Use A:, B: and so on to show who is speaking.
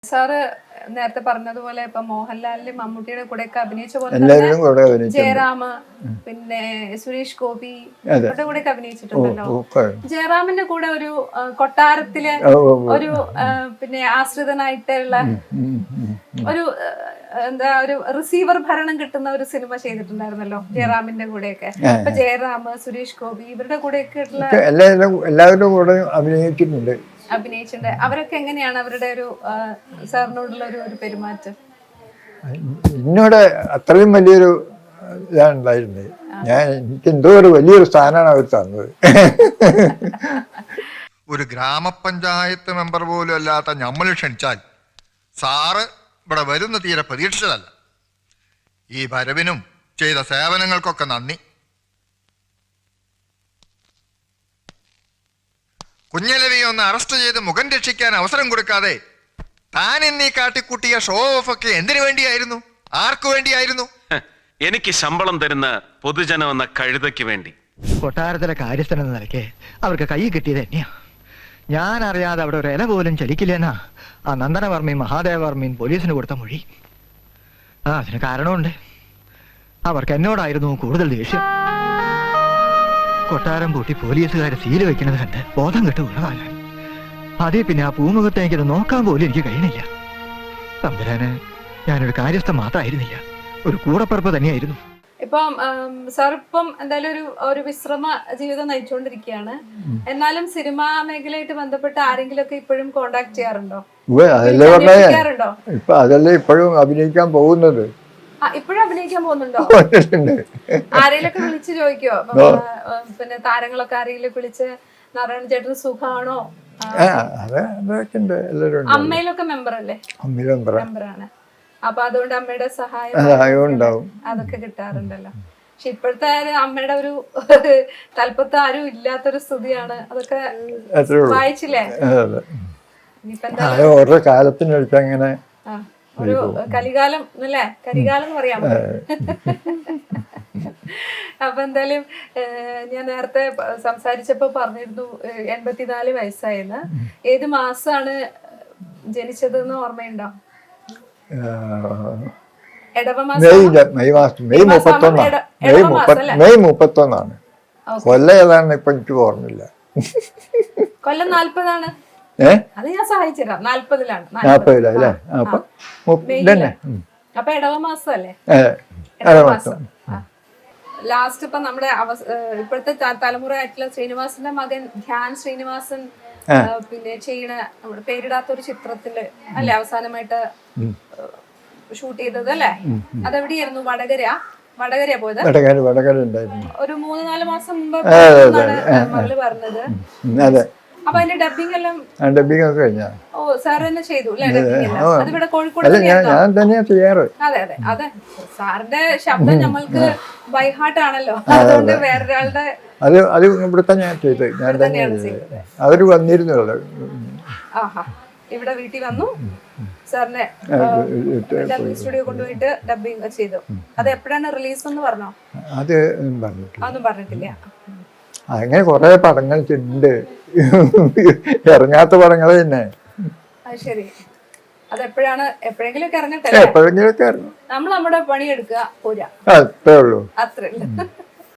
A: Sir നേരത്തെ പറഞ്ഞതുപോലെ ഇപ്പൊ മോഹൻലാലിന്റെ മമ്മൂട്ടിയുടെ കൂടെ ഒക്കെ അഭിനയിച്ച പോലെ തന്നെ ജയറാം പിന്നെ സുരേഷ് ഗോപി അവരുടെ കൂടെ ഒക്കെ അഭിനയിച്ചിട്ടുണ്ടല്ലോ. ജയറാമിന്റെ കൂടെ ഒരു കൊട്ടാരത്തിലെ ഒരു പിന്നെ ആശ്രിതനായിട്ടുള്ള ഒരു എന്താ ഒരു റിസീവർ ഭരണം കിട്ടുന്ന ഒരു സിനിമ ചെയ്തിട്ടുണ്ടായിരുന്നല്ലോ ജയറാമിന്റെ കൂടെയൊക്കെ. ഇപ്പൊ ജയറാം, സുരേഷ് ഗോപി ഇവരുടെ കൂടെയൊക്കെ
B: എല്ലാവരുടെ കൂടെ അഭിനയിച്ചിട്ടുണ്ട്.
A: അവരൊക്കെ എങ്ങനെയാണ് അവരുടെ ഒരു സാറിനോടുള്ള ഒരു പെരുമാറ്റം?
B: എന്നോട് അത്രയും വലിയൊരു ഇതാണ് ഉണ്ടായിരുന്നത്. എനിക്ക് എന്തോ ഒരു വലിയൊരു സ്ഥാനമാണ് അവർ തന്നത്.
C: ഒരു ഗ്രാമപഞ്ചായത്ത് മെമ്പർ പോലും അല്ലാത്ത നമ്മൾ ക്ഷണിച്ചാൽ സാറ് ഇവിടെ വരുന്ന തീരെ പ്രതീക്ഷിച്ചതല്ല. ഈ വരവിനും ചെയ്ത സേവനങ്ങൾക്കൊക്കെ നന്ദി. കുഞ്ഞലവിയെ ഒന്ന് അറസ്റ്റ് ചെയ്ത് മുഖം രക്ഷിക്കാൻ അവസരം കൊടുക്കാതെ താൻ എന്നീ കാട്ടിക്കൂട്ടിയ ഷോ ഓഫ് ഒക്കെ എന്തിനു വേണ്ടിയായിരുന്നു? ആർക്കു വേണ്ടിയായിരുന്നു?
D: എനിക്ക് ശമ്പളം തരുന്ന പൊതുജനം എന്ന കഴുതയ്ക്ക് വേണ്ടി.
E: കൊട്ടാരത്തിലെ കാര്യസ്ഥൻ എന്ന നിലയ്ക്ക് അവർക്ക് കൈ കിട്ടിയത് തന്നെയാ. ഞാൻ അറിയാതെ അവിടെ ഒരു ഇല പോലും ചലിക്കില്ലെന്നാ ആ നന്ദനവർമ്മയും മഹാദേവവർമ്മയും പോലീസിന് കൊടുത്ത മൊഴി. അതിന് കാരണമുണ്ട്. അവർക്ക് എന്നോടായിരുന്നു കൂടുതൽ ദേഷ്യം. കൊട്ടാരം പൂട്ടി പോലീസുകാരെ സീല് വെക്കുന്നത് കണ്ട് ബോധം കെട്ട് ഉള്ളതാണ്. അതേ പിന്നെ ആ പൂമുഖത്തെ എനിക്കത് നോക്കാൻ പോലും എനിക്ക് കഴിയണില്ല. തമ്പുരാന് ഞാനൊരു കാര്യസ്ഥ മാത്രമായിരുന്നില്ല, ഒരു കൂടപ്പറപ്പ് തന്നെയായിരുന്നു.
A: ഇപ്പം സാർ ഇപ്പം എന്തായാലും ഒരു വിശ്രമ ജീവിതം നയിച്ചുകൊണ്ടിരിക്കുകയാണ്. എന്നാലും സിനിമാ മേഖലയായിട്ട് ബന്ധപ്പെട്ട് ആരെങ്കിലും ഒക്കെ ഇപ്പോഴും കോണ്ടാക്ട് ചെയ്യാറുണ്ടോ?
B: ഇപ്പൊ അതല്ലേ ഇപ്പോഴും അഭിനയിക്കാൻ പോകുന്നത്.
A: ഇപ്പോഴും അഭിനയിക്കാൻ പോകുന്നുണ്ടോ? ആരെങ്കിലൊക്കെ വിളിച്ച് ചോദിക്കോ? പിന്നെ താരങ്ങളൊക്കെ ആരെങ്കിലും വിളിച്ച് നാരായണ ചേട്ടൻ സുഖാണോ? അമ്മയിലൊക്കെ മെമ്പർ അല്ലേ? മെമ്പറാണ്. അപ്പൊ അതുകൊണ്ട് അമ്മയുടെ സഹായം ഉണ്ടാവും, അതൊക്കെ കിട്ടാറുണ്ടല്ലോ. പക്ഷെ ഇപ്പോഴത്തെ അമ്മയുടെ ഒരു തലപ്പത്ത് ആരും ഇല്ലാത്തൊരു സ്ഥിതിയാണ്. അതൊക്കെ വായിച്ചില്ലേ?
B: ഓരോ കാലത്തിനടുത്ത് അങ്ങനെ
A: ഒരു കലികാലം അല്ലേ? കരികാലം എന്ന് പറയാമോ? അപ്പൊ എന്തായാലും ഞാൻ നേരത്തെ സംസാരിച്ചപ്പോ പറഞ്ഞിരുന്നു 84 വയസ്സായെന്ന്. ഏത് മാസാണ് ജനിച്ചതെന്ന് ഓർമ്മയുണ്ടോ?
B: മെയ് 31. കൊല്ലം ഏതാണ് ഇപ്പൊ എനിക്ക് ഓർമ്മയില്ല.
A: കൊല്ലം 40 അത് ഞാൻ സഹായിച്ചുതരാം. 40-ലാണ്. അപ്പൊ ഇടവ മാസം അല്ലേ? ലാസ്റ്റ് ഇപ്പൊ നമ്മുടെ ഇപ്പോഴത്തെ തലമുറയായിട്ടുള്ള ശ്രീനിവാസന്റെ മകൻ ധ്യാൻ ശ്രീനിവാസൻ പിന്നെ ചെയ്യണ നമ്മുടെ പേരിടാത്തൊരു ചിത്രത്തില് അല്ലെ അവസാനമായിട്ട് ഷൂട്ട് ചെയ്തത് അല്ലേ? അതെവിടെയായിരുന്നു? വടകരയാ പോയത്. ഒരു 3-4 മാസം മുമ്പ് മകള് പറഞ്ഞത്. അപ്പൊ അതിന്റെ ഡബിംഗ് എല്ലാം സാർ തന്നെ ചെയ്തു അതിവിടെ കോഴിക്കോട്?
B: ഞാൻ തന്നെയാ ചെയ്യാറ്.
A: അതെ. സാറിന്റെ ശബ്ദം നമ്മൾക്ക് ബൈഹാർട്ട് ആണല്ലോ, അതുകൊണ്ട് വേറൊരാളുടെ
B: അത് ഇവിടുത്തെ ഞാൻ ചെയ്ത് ഞാൻ തന്നെയാണ് ചെയ്തത്. അവര് വന്നിരുന്നല്ലോ.
A: ഇവിടെ വീട്ടിൽ വന്നു സാറിനെ ഡബിംഗ് സ്റ്റുഡിയോ കൊണ്ടുപോയിട്ട് ഡബിംഗ് ചെയ്തു. അത് എപ്പോഴാണ് റിലീസ് എന്ന് പറഞ്ഞോ? അതൊന്നും പറഞ്ഞിട്ടില്ല.
B: അങ്ങനെ കുറെ പടങ്ങൾ ഉണ്ട്, ഇറങ്ങാത്ത പടങ്ങൾ തന്നെ.
A: ശരി. അതെപ്പോഴാണ്? എപ്പോഴെങ്കിലും ഒക്കെ ഇറങ്ങട്ടെ.
B: എപ്പോഴെങ്കിലും ഒക്കെ ഇറങ്ങും.
A: നമ്മൾ നമ്മുടെ പണിയെടുക്കുക പോരാ,
B: അത്രേ ഉള്ളൂ.
A: അത്രേ ഉള്ളൂ.